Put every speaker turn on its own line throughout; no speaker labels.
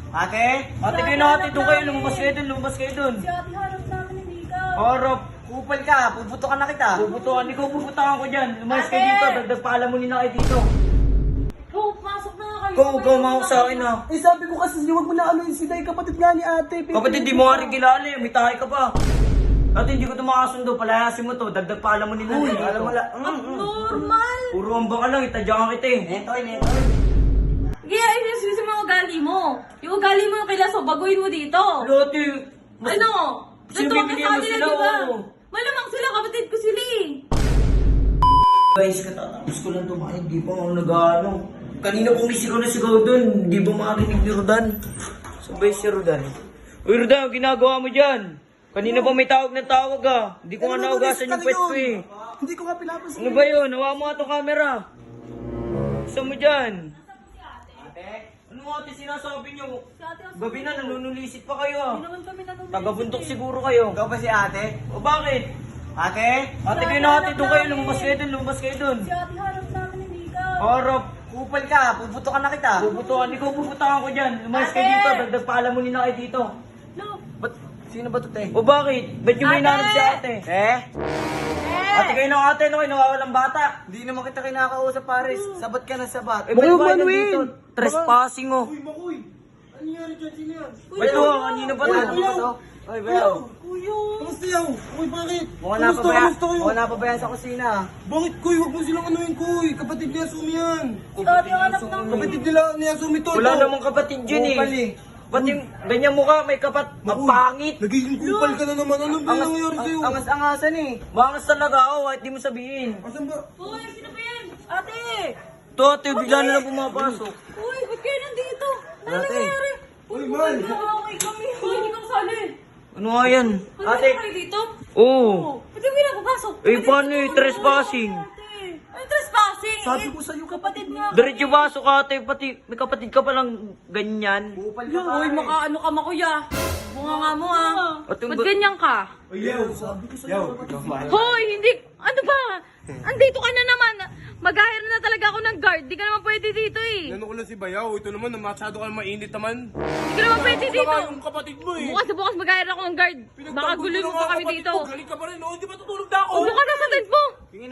Ate? Ate kayo na ate, doon kayo, lumabas kayo dun.
Si ate harap namin, hindi ka.
Harap, kupal ka, puputokan na kita. Puputokan, ikaw puputokan ko dyan. Lumayas kayo dito, dagdag paalamunin na kayo dito.
Ikaw, pasok na nga kayo.
Ikaw mawak sa akin ha.
Eh sabi ko kasi huwag mo na ano yung si Day, kapatid nga ni ate.
Kapatid, di mo nga rin kilala eh, may tahay ka pa. Ate, hindi ko ito makasundo, palayasin mo to, dagdag paalamunin na kayo dito.
alam mo la-
Normal.
Puro ambang ka lang, itadyakan kita eh. Netoy.
Kaya inisisi mo yung ugali mo. Yung ugali mo yung kilaso, baguhin mo dito.
Ate,
Ano?
Sino
Totoo ka
bibigyan
sa
mo
kanila,
sila,
di ba?
oo.
Malamang sila, kapatid ko sila eh.
guys, katatapos ko lang tumahin, di pa ako nag-ano. Kanina pumisigaw na sigaw dun, di ba makarinig ni Rodan? Sabay si Rodan. Uy Rodan, ginagawa mo dyan? Kanina pa may tawag na tawag ah. Hindi ko nga naugasan yung pet ko eh.
Hindi ko nga pinapansin.
Ano ba yun? Nawa mo nga itong camera. Saan mo dyan? Ate? Ano mo ate sinasabi nyo?
Si ate ang
Gabi na, nanunulisit pa kayo ah.
Hindi naman kami nanonood.
Tagabuntok siguro kayo.
Ikaw ba si ate?
O bakit?
Ate?
Ate kayo na ate, doon kayo, lumabas kayo dun.
Si ate harap namin, hindi ka.
Harap,
Kupal ka, puputokan na kita.
puputukan, ikaw puputukan ko dyan. Lumayas kayo
Ate!
dito, dagdag paalamunin na kayo dito.
No.
Ba't? Sino ba to, te?
O bakit? Ba't yung may
Ate!
nanod si ate? Ate kayo ng ate, no kayo nawawalang bata.
Hindi naman kita kinakausap, Paris. Sabat ka na sabat.
Eh, ba't ba nandito? Trespassing oh.
Makoy! Ano nangyari dyan? Sino yan?
Ba't to? Kanina pa to?
Ay, bayaw.
Kuya.
Kamusta yaw? Uy, bakit?
Mukhang
kayo?
napabayaan sa kusina.
Bakit, Kuy? Huwag mo silang anuhin, Kuy. Kapatid niya, Sumi yan.
Si ate ang anak namin.
Kapatid nila niya, Sumi to.
Wala namang kapatid yun
Kupal
eh.
eh.
Ba't yung ganyan mukha, may kapat, ang pangit.
Nagiging kupal ka na naman. Ano ba yung nangyari sa'yo?
Angas-angasan eh.
Mangas talaga ako, kahit di mo sabihin.
Asan ba?
Uy, sino ba yan? Ate!
To ate, bigla na lang pumapasok.
Uy, ba't kayo nandito? Ano
Ate.
nangyari?
Uy, man.
Nakakamay kami. Uy, hindi kang sali.
Ano nga yan?
Ate.
Ate.
Kayo dito?
Oo.
Ba't yung pinapapasok?
Eh, paano eh, trespassing?
Ay, trespassing.
Sabi ko sa'yo,
kapatid nga.
Diretso pasok ate, pati may kapatid ka palang ganyan.
Kupal ka,
Uy,
pare.
makaano ka makuya. Bunga nga mo ah.
At yung
Ba't ganyan ka?
Uy, yaw.
Sabi ko sa'yo.
Yaw.
Hoy, hindi. Ano ba? Andito ka na naman. Mag-hire na talaga ako ng guard. Di ka naman pwede dito eh.
Ano ko lang si Bayaw. Ito naman, masyado ka mainit naman.
Di ka naman pwede dito.
Baka yung kapatid mo eh.
Bukas na bukas mag-hire ako ng guard. Baka guloy mo pa kami dito.
Galing ka pa rin, oh. Hindi ba tutulog na ako?
Upo ka na sa tent mo.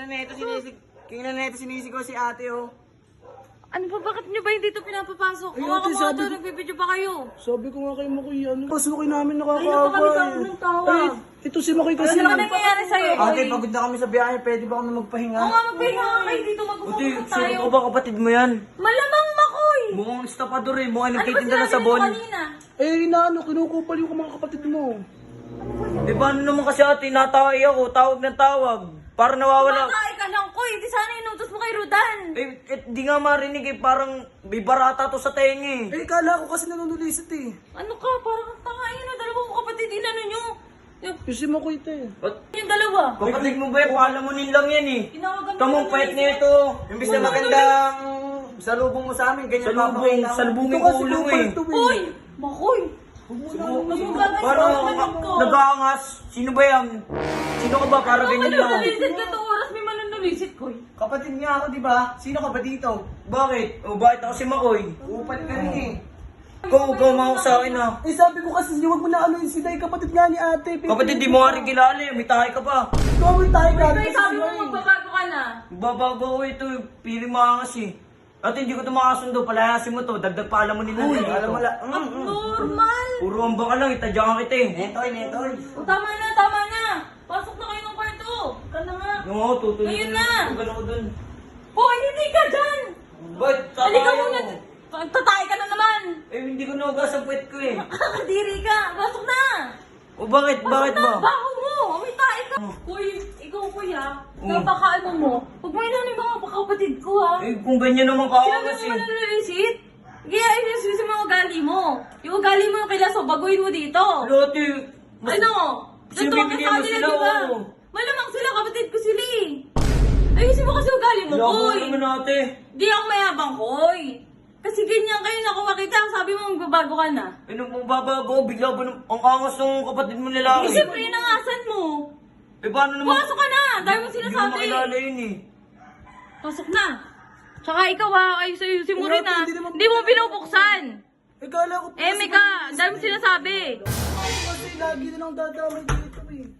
Kingin na neto sinisigaw si ate, oh.
Ano ba? Bakit nyo ba hindi ito pinapapasok?
Ay,
Kawa
ate,
ka
sabi
mga
ko-
nagbibideo pa kayo.
Sabi ko nga kay Makoy, ano? Pasukin namin
Ay, naman kami
nakakaawa
tawag ng tawa.
Ay, ito si Makoy kasi.
Ano ba nangyayari sa'yo?
Ate,
Hoy?
pagod na kami sa biyahe. Pwede ba kami magpahinga?
Oo nga, magpahinga ka kayo dito.
Ate,
Mag-usap
sino
tayo.
ka ba kapatid mo yan?
Malamang makoy.
Mukhang estapador eh, mukhang
Ano ba
nagtitinda ng
sinabi
sabon.
mo kanina?
Eh, inaano, kinukupal yung mga kapatid mo.
Eh paano naman kasi ate, natawag ako, tawag ng tawag. Para nawawala.
Kumakain ka lang, Koy. Di sana inutos mo kay Rodan.
Di nga marinig eh, parang may barata to sa tenga eh.
Eh, kala ko kasi nanunulisit eh.
Ano ka? Parang ang tanga yun. Dalawang kapatid, inano nyo. Yung
Yung si Makoy, te.
yung dalawa.
Kapatid mo ba yan? Palamunin lang yan eh.
Tinawagan mo
Kamong
na
pait
yun.
na ito.
Imbis na magandang salubong mo sa amin, ganyan
Salubong,
papakita mo.
salubungin
Ito
ko
kasi
ulo
kupal
eh.
to
Uy! Makoy! Magmumagay
Parang
sa kapatid ko.
nag-aangas. Sino ba yan? Sino ka ba para ganyan lang?
Manunalisit ka to oras. May manunalisit, Koy.
Kapatid nga ako, di ba? Sino ka ba dito?
Bakit? O bakit ako si Makoy?
Kupal ka rin eh.
Ikaw mawak sa akin ah.
Eh, sabi ko kasi, huwag mo na ano yung si Day, kapatid nga ni ate.
Kapatid, di mo nga rin kilala eh. May tahay ka pa.
Gawin tayo ka.
Koy, sabi mo magbabago ka na.
Babago ko ito, pili maangas eh. At hindi ko ito makasundo, palayasin mo to, dagdag paalamunin na
Uy,
dito.
alam mo la.
Normal.
Puro ambang ka lang, itadyakan kita eh.
Netoy.
O, tama na, tama na. Pasok na kayo ng kwarto. Ka na nga.
Yung ako, tutuloy
Ayun na.
Tutuloy ako dun.
Hoy, hindi ka dyan.
Ba't
Halika
tatayo?
muna. Tatay ka na naman.
Eh, hindi ko naugas ang puwet ko eh.
Kakadiri ka. Pasok na.
O bakit? Bakit
Pasok na.
ba?
Baho mo. May tayo ka. Uy, ikaw kuya. Napakaano mo. Huwag mo inanin mga kapatid ko ha.
Eh, kung ganyan naman
Sinabi
kaawas
mo
eh.
mananalisit? Kaya inisisi mo yung ugali mo. Yung ugali mo yung kilaso, baguhin mo dito.
Lote,
Ano?
Sino
Totoo ka
bibigyan
sa
mo
kanila,
sila,
di ba?
oo.
Malamang sila, kapatid ko sila eh. Ayusin mo kasi ugali mo,
Labo
Koy.
naman ate.
Di ako mayabang, Koy. Kasi ganyan kayo nakuha kita. Sabi mo magbabago ka na.
Eh, nung babago, bigla ba ang angas ng kapatid mo lalaki?
Eh, siyempre, inangasan mo.
Eh, paano naman?
Pumasok ka na. Dahil mo
Hindi ko
sinasabi.
makilala yun eh.
Pasok na. Tsaka ikaw ha, ayusin mo rin ha.
Hindi naman-
Hindi mo binubuksan.
Eh, kala ko
Mika, ang dami mo sinasabi.
kasi lagi na lang dadamay dito eh.